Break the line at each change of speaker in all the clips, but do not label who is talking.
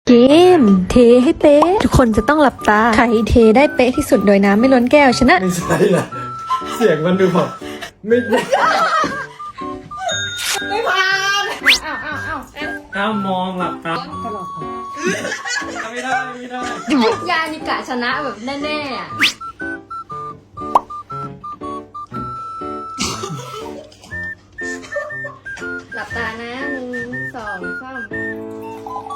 เกมเทให้เป๊ะทุกคนจะต้องหลับตาใครเทได้เป๊ะที่สุดโดยน้ำไม่ล้นแก้วชนะ
ไม่ใช่ละเสียงมันดูแบบไม่
ผ่าน
ห้ามมองหลับตาไม่ได้
ยานิกะชนะแบบแน่ๆอะหลับตานะ1 2 3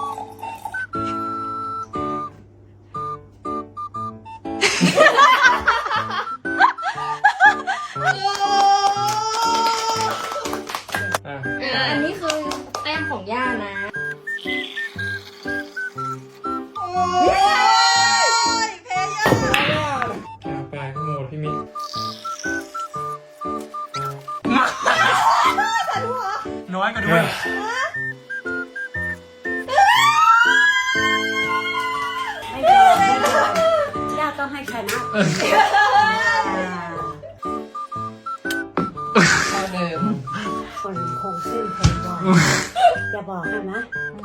อันนี้คือแต้มของย่านะ
ปลายขโมดพี่มิน้อยก็ด้วย
ย่าต้องให้ชนะคนคงเส้นคงวาอย่าบอกนะ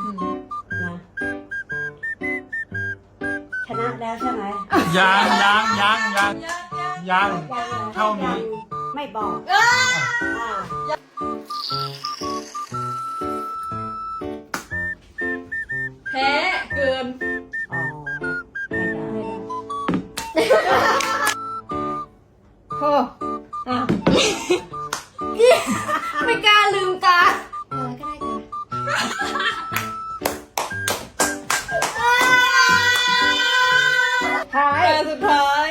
ชนะแล้วใช่ไหม
ยังเท่านี้
ไม่บอก
แพ้เกิน
อ๋อไม่ได้
โอ้ไม่กล้าลืมตาอะไรก็ได้กันสุดท้าย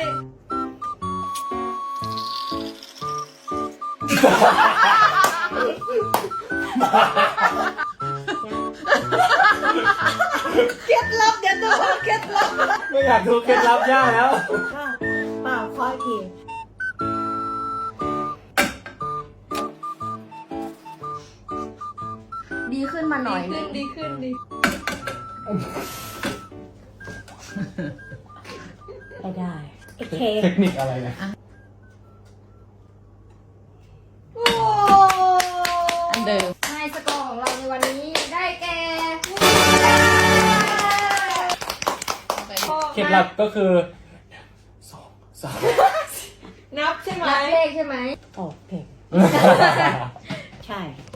เคล็ดลับเดี๋ยวตัวเคล็ดลับ
ไม่อยากดูเคล็ดลับย่าแล้ว
เปล่าคอยที
ดีขึ้นมาหน่อยดีขึ้น
ไม่ได้
เทคนิคอะไรนะ
อันเดิมให้สกอร์ของเราในวันนี้ได้แก่
เคล็ดลับก็คือ1 2 3
นับใช่ไหมนับเลขใช่ไหม
โอเคใช่